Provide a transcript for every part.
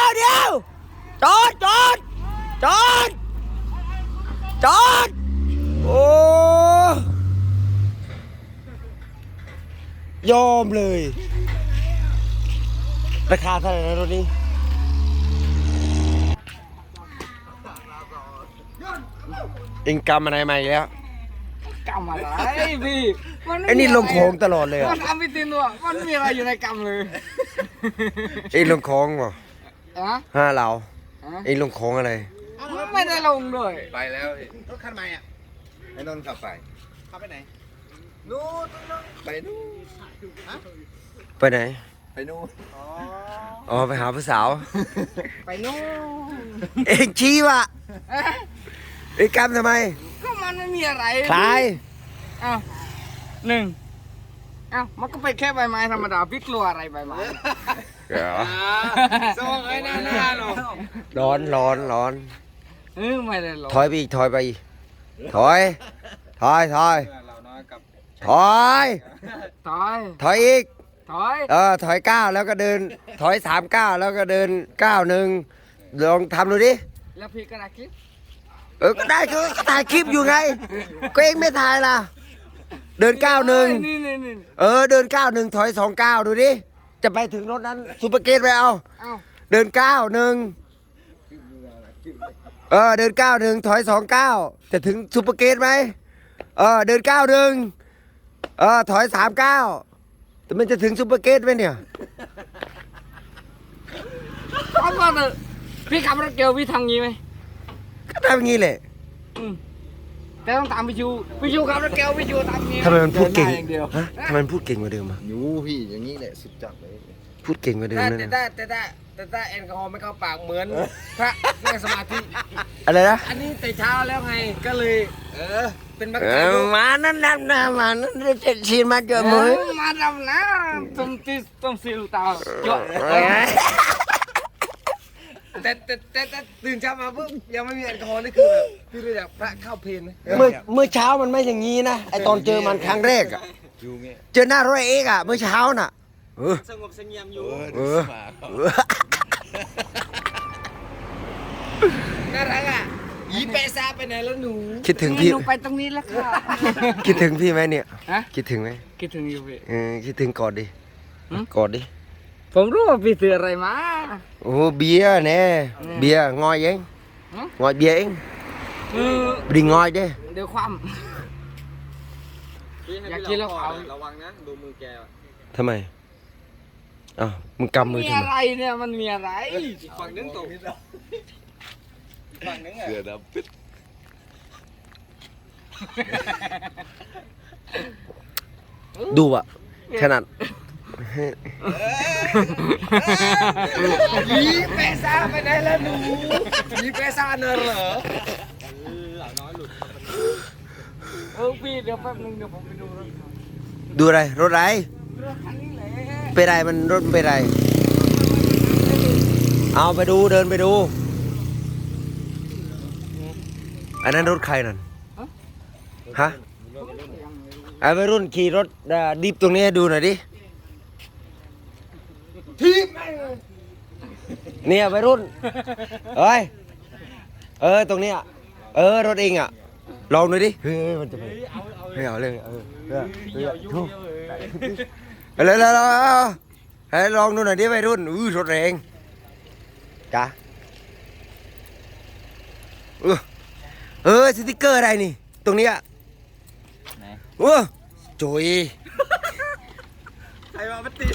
เดี๋ยวจอดจอดจอดจอดโอ้ยอมเลยราคาเท่าไหร่นะรถนี้เอ็งกำอะไรมาอีกแล้วกำอะไรพี่ไอ้นี่ลงโค้งตลอดเลยอ่ะมันทำไม่ตินด้วยมันมีอะไรอยู่ในกำเลยเอ็งลงโค้งเหรออะห้าเราเอ็งลงโค้งอะไรไม่ได้ลงด้วยไปแล้วรถคันใหม่อ่ะไอ้นนท์ขับไปขับไปไหนนู่นไปนู่นไปไหนไปนู่นอ๋อไปหาผู้สาวไปนู่นเอ็งชี้ว่ะเอ็งกำทำไมก็มันไม่มีอะไรคลายอ้าวหนึ่งอ้าวมันก็ไปแค่ใบไม้ธรรมดาพี่กลัวอะไรใบไม้ส่งไอ้หน้าหรอร้อนร้อนร้อนไม่ได้ลงถอยไปอีกถอยไปอีกถอยถอยถอยเราน้อยกับถอยถอยถอยอีกถอยถอยก้าวแล้วก็เดิน ถอย3 ก้าวแล้วก็เดิน1 ลองทำดูดิแล้วพี่ก็ได้คลิปก็ได้ก็ถ่ายคลิปอยู่ไง ก็เองไม่ถ่ายล่ะ เดิน1 นี่เดิน1 ถอย2 ก้าวดูดิ จะไปถึงรถนั้นซูเปอร์เกตไปเอาเอ้าเดิน1 เดิน1 ถอย2 ก้าวจะถึงซูเปอร์เกตไหมเดินถอย3 ก้าวแต่มันจะถึงซูเปอร์เกตไหมเนี่ยเอาก่อนเถอะพี่ขับรถเกียวพี่ทำงี้ไหมก็ทำอย่างนี้แหละแต่ต้องตามพี่ชูขับรถเกียวพี่ชูทำงี้ทำไมมันพูดเก่งดินหน้าอย่างเดียวฮะทำไมมันพูดเก่งกว่าเดิมอ่ะยูพี่อย่างนี้แหละสุดจัดเลยพูดเก่งกว่าเดิมแต่นั่นแต่น่ะแต่แอลกอฮอล์ไม่เข้าปากเหมือนพระนั่งสมาธิอะไรนะอันนี้แต่เช้าแล้วไงก็เลยเป็นบักมานั่นมานั่นเจ็ดชีนมาเจอมือมาดำนะต้องซิลตาจดแต่ตื่นเช้ามาปุ๊บยังไม่มีแอลกอฮอล์นี่คือแบบพี่รู้จักพระเข้าเพลนไหมเมื่อเช้ามันไม่อย่างนี้นะไอตอนเจอมันครั้งแรกอ่ะยูเงี้ยเจอหน้ารถเอกอ่ะเมื่อเช้าน่ะสงบเสงี่ยมอยู่ น่ารักอ่ะยีเปซ่าไปไหนแล้วหนูคิดถึงพี่หนูไปตรงนี้แล้วค่ะคิดถึงพี่ไหมเนี่ยฮะคิดถึงไหมคิดถึงอยู่พี่คิดถึงกอดดิหืมกอดดิผมรู้ว่าพี่ซื้ออะไรมาโอ้เบียร์แน่เบียร์งอยเองหืมงอยเบียร์เองคือดิงอยเด้เดี๋ยวความ อยากกินแล้วเขาระวังนะดูมือแกทำไมอ้าวมึงกำมือมีทำไมอะไรเนี่ยมันมีอะไรอีกฝั่งนึงตกฝั่งนึงอ่ะเสือดำปึ๊ดดูอ่ะขนาดยีเปซ่าไปไหนแล้วหนูยีเปซ่าเนอะเหรอพี่เดี๋ยวแป๊บนึงเดี๋ยวผมไปดูรถดูอะไรรถอะไรรถคันนี้แหละเป็นไรมันรถเป็นไรเอาไปดูเดินไปดูอันนั้นรถใครนั่นฮะไอ้วัยรุ่นขี่รถดิฟตรงนี้ให้ดูหน่อยดิทีบเนี่ยวัยรุ่นเอ้ยตรงเนี้ยรถเองอ่ะลองหน่อยดิเฮ้ยมันจะไปไม่เอาเลยทุกแล้วให้ลองดูหน่อยดิวัยรุ่นรถแรงจ้ะสติ๊กเกอร์อะไรนี่ตรงเนี้ยโจยใครมาปฏิ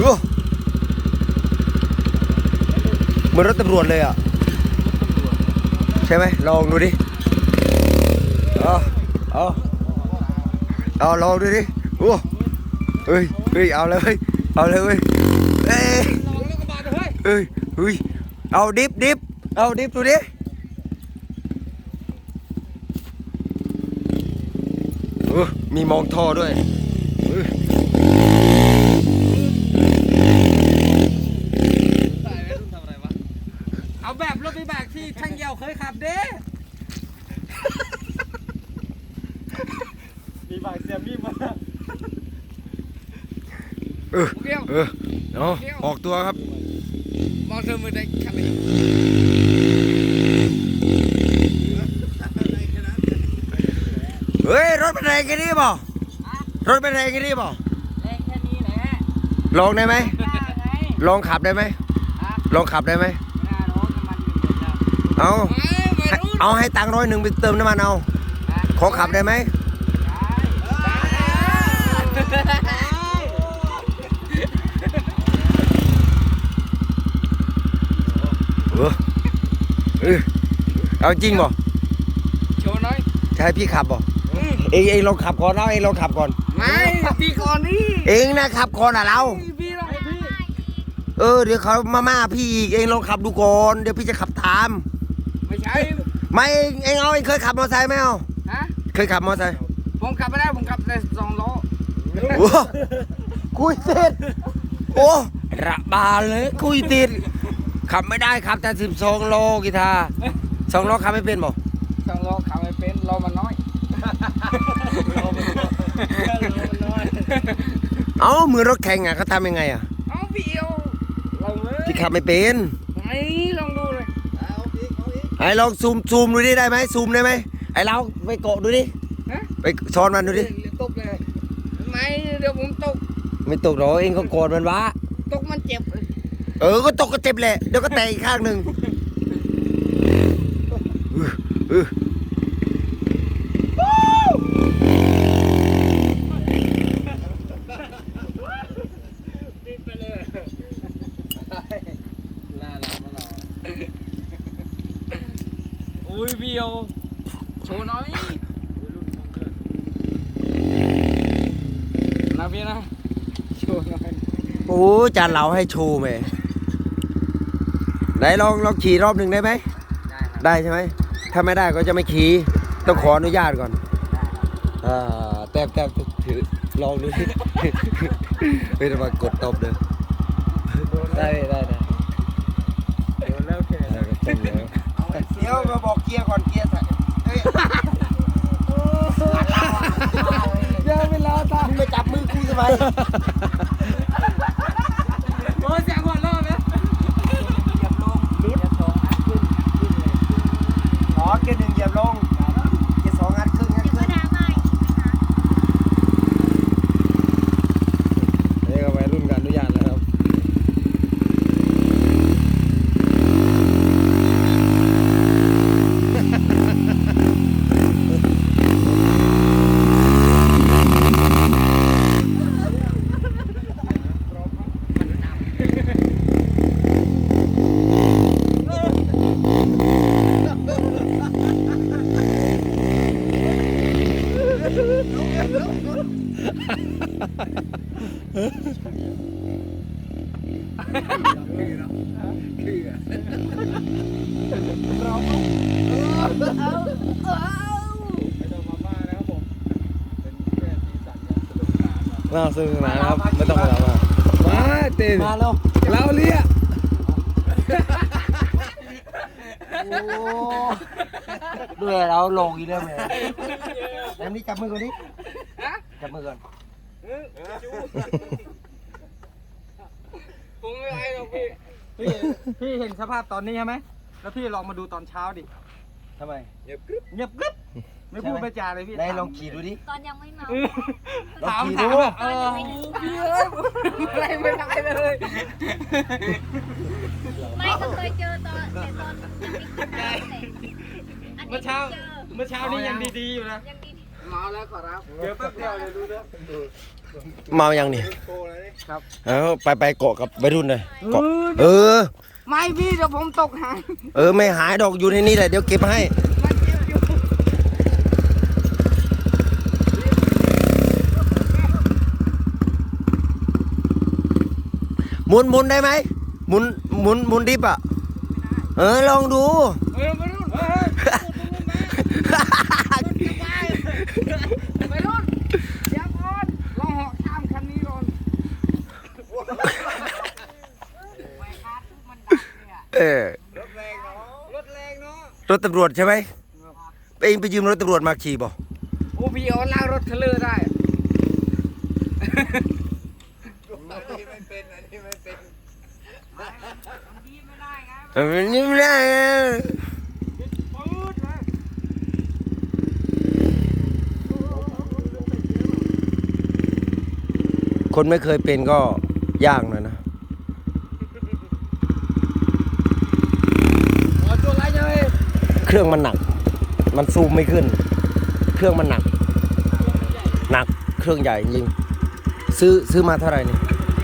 เหมือนรถตำรวจเลยอ่ะใช่ไหมลองดูดิเอาลองดูดิเฮ้ยเอาเลยเว้ยเอาเลยเว้ยเอาดิฟดูดิมีมองท่อด้วยเอาแบบรถวิบากที่ช่างเหี่ยวเคยขับเด้มีบางเสียมีมาเอาออกตัวครับมองเธอมือได้คันนี้เฮ้ยรถเป็นไรกันนี่บ่รถเป็นไรกันนี่บ่แรงแค่นี้แหละลองได้ไหมได้ไงลองขับได้ไหมฮะลองขับได้ไหมไม่น่าร้องน้ำมันอยู่หมดแล้วเอาไม่รู้เอาให้ตังค์100ไปเติมน้ำมันเอาขอขับได้ไหมเอาจริงบ่โชว์หน่อยจะให้พี่ขับบ่เองลองขับก่อนเอาเองลองขับก่อนไม่พี่ก่อนนี่เองนะขับก่อนอ่ะเราพี่ลองพี่เดี๋ยวเขามาพี่อีกเองลองขับดูก่อนเดี๋ยวพี่จะขับตามไม่ใช่ไม่เองเอาเองเคยขับมอเตอร์ไซค์ไหมเอาฮะเคยขับมอเตอร์ไซค์ผมขับไม่ได้ผมขับแต่2 ล้อโอ้คุยติดโอ้ระบาดเลยคุยติดขับไม่ได้ขับแต่12 โลกีตาร์2 โลขับไม่เป็นบ่ 2 ล้อขับไม่เป็นล้อมันน้อยเอ้ามือรถแข่งอ่ะเขาทำยังไงอ่ะเอาพี่เอาลองเลยพี่ขับไม่เป็นไอ้ลองดูเลยไอ้ลองซูมดูดิได้ไหมซูมได้ไหมไอ้เราไปเกาะดูดิฮะไปซ้อนมันดูดิเดี๋ยวตกเลยไม่เดี๋ยวผมตกไม่ตกหรอกเองก็โกรธมันวะตกมันเจ็บเลยก็ตกก็เจ็บแหละเดี๋ยวก็แตกอีกข้างหนึ่งเออติดไปเลยน่ารักมากอุ้ยพี่เอาโชว์หน่อยนะพี่นะโชว์หน่อยโอ้จานเหลาให้โชว์ไหมไหนลองขี่รอบหนึ่งได้ไหมได้ครับได้ใช่ไหมถ้าไม่ได้ก็จะไม่ขี่ต้องขออนุญาตก่อนแต่ถือลองดูสิ ไม่ต้องมากดตบเลยได้โดนแล้วแค่เดี๋ยวมาบอกเกียร์ก่อนเกียร์ใส่เฮ้ยเดี๋ยวเวลาตามึงมาจับมือกูทำไมโอ้ยเสียงหัวเราะไหมเหยียบลงรุด2 อันขึ้นเลยอ๋อเกียร์ 1เหยียบลงเกียร์ 2 งัดขึ้นเดี๋ยวก็ดราม่าอีกนะคะนี่ก็วัยรุ่นกันอนุญาตแล้วครับน่าซึ้งนะครับไม่ต้องมามาเต้นมาแล้วเราเรียกด้วยเราลงอีกแล้วแม่แอมนี่จับมือก่อนดิจับมือก่อนผมไม่ไรหรอกพี่พี่เห็นสภาพตอนนี้ใช่ไหมแล้วพี่ลองมาดูตอนเช้าดิทำไมเงียบกริบไม่พูดไม่จาเลยพี่ไหนลองขี่ดูดิตอนยังไม่เมาถามลองขี่ถาดูมแบบพี่เอ้ยอะไรไม่ได้เลยไม่ก็เคยเจอตอนแต่ตอนยังไม่คิดได้อันนี้เมื่อเช้าเจอเมื่อเช้านี้ยังดีๆอยู่นะยังดีเมาแล้วขอรับเดี๋ยวแป๊บเดียวเลยดูเด้อเมายังนี่โตเลยนี่ครับไปเกาะกับวัยรุ่นเลยเกาะอไม่พี่เดี๋ยวผมตกหายไม่หายดอกอยู่ในนี้แหละเดี๋ยวเก็บให้มันเจ็บอยู่หมุนได้ไหมหมุนดิบอ่ะลองดูไปรุ่นไปรุ่นเดี๋ยวก่อนลองเหาะข้ามคันนี้ก่อนไม่คาดมันดังเนี่ยรถแรงเนาะรถแรงเนาะรถตำรวจใช่ไหมเองไปยืมรถตำรวจมาขี่บ่โอ้พี่เอาลากรถเทรลเลอร์ได้อันนี้ไม่เป็นอันนี้ไม่เป็นมนี่ไม่ได้คนไม่เคยเป็นก็ยากหน่อยนะตัวไรเลยเครื่องมันหนัก มันซูมไม่ขึ้น เครื่องมันหนัก หนัก เครื่องใหญ่จริงซื้อมาเท่าไหร่นี่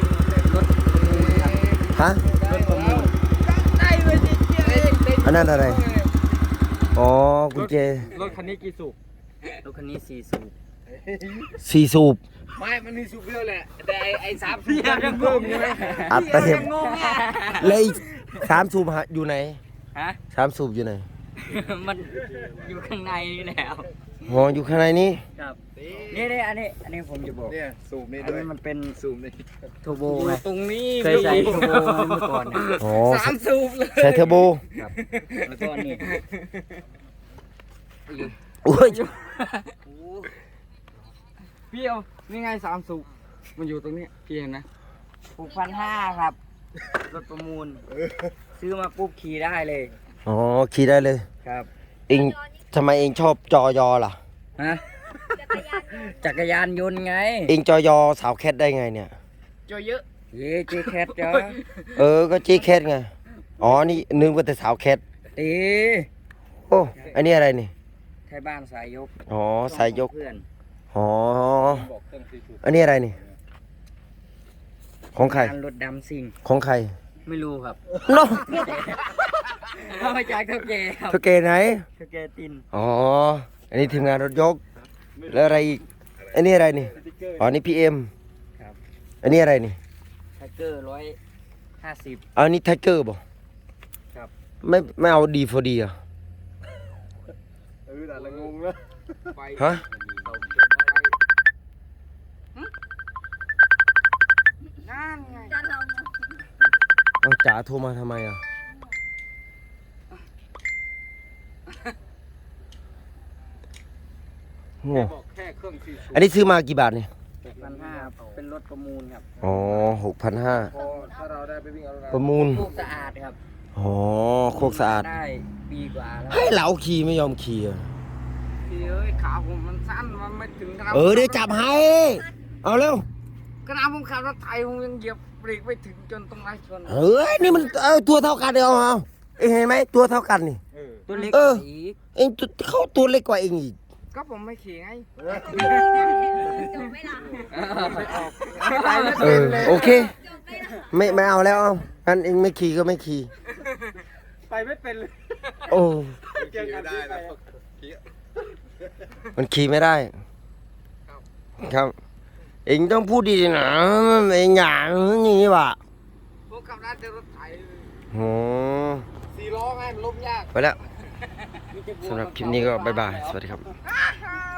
ฮะได้เลยจริงอันนั้นอะไร อ๋อ กุญแจรถคันนี้กี่สูบรถคันนี้4 สูบสี่สูบไม่มันมีสูบเดียวแหละแต่ไอ้3 สูบยังเพิ่มใช่ไหมอัดเต็มงงอ่ะแล้วอีก3 สูบอยู่ไหนฮะ 3 สูบอยู่ไหนมันอยู่ข้างในนี่แล้วอ๋อ อยู่ข้างในนี้ครับนี่อันนี้ผมจะบอกเนี่ยสูบนี่อันด้วยนี้มันเป็นสูบนี่โทโบไงตรงนี้เคยใส่โทโบเมื่อก่อนเนี่ยอ๋อ 3 สูบเลยใส่เทอร์โบครับแล้วก็นี่โอ้ยพี่เอานี่ไง3 สูบมันอยู่ตรงนี้พี่เห็นนะ6,500ครับรถประมูลซื้อมาปุ๊บขี่ได้เลยอ๋อ ขี่ได้เลยครับเองทำไมเองชอบจอยอล่ะฮะจักรยานยนต์จักรยานยนต์ไงเองจอยอสาวแคทได้ไงเนี่ยจอเยอะเย้เจแคทจ้าก็จีแคทไง อ๋อ นี่นึกว่าแต่สาวแคทตีโอ้ อันนี้อะไรนี่ไทยบ้านสายยกอ๋อ สายยกเพื่อนอ๋อ อันนี้อะไรนี่ ของใครงานรถดำซิ่งของใครไม่รู้ครับโน้เอามาจากเท่าแก่ครับเท่าแกไหนเท่าแก่ตินอ๋อ อันนี้ทีมงานรถยก แล้วอะไรอีก อันนี้อะไรนี่ อ๋อ นี่พีเอ็มครับอันนี้อะไรนี่ไทเกอร์150 อันนี้ไทเกอร์บ่ครับไม่เอาดีฟอดีอ่ะแต่ละงงแล้วไปฮะนั่นไงจะลองเอาจ๋าโทรมาทำไมอ่ะโง่บอกแค่เครื่อง4 สูบอันนี้ซื้อมากี่บาทเนี่ย 6,500เป็นรถประมูลครับอ๋อ6,500 พอถ้าเราได้ไปวิ่งเอาประมูลลูกสะอาดครับอ๋อ โคกสะอาดได้ปีกว่าแล้วให้เราขี่ไม่ยอมขี่อ่ะพี่เอ้ยขาผมมันสั้นมันไม่ถึงขนาดเดี๋ยวจับให้ เอาเร็วขนาดผมขับรถไถผมยังเหยียบเบรกไม่ถึงจนตรงไรชนเฮ้ย นี่มันตัวเท่ากันเดียวเอาเองเห็นไหมตัวเท่ากันนี่ตัวเล็กเอออีกเองเข้าตัวเล็กกว่าเองอีกก็ผมไม่ขี่ไงจบไหมล่ะไม่ออกโอเคจบไหมล่ะไม่เอาแล้วเอางั้นเองไม่ขี่ก็ไม่ขี่ไปไม่เป็นเลยโอ้ขี่ไม่ได้แล้วขี่มันขี่ไม่ได้ ครับ เองต้องพูดดีๆนะเองอย่างนี้ว่ะผมขับร้านแต่รถไถโอ้ 4 ล้อไงมันล้มยากไปแล้วสำหรับคลิปนี้ก็บ๊ายบาย สวัสดีครับอ้า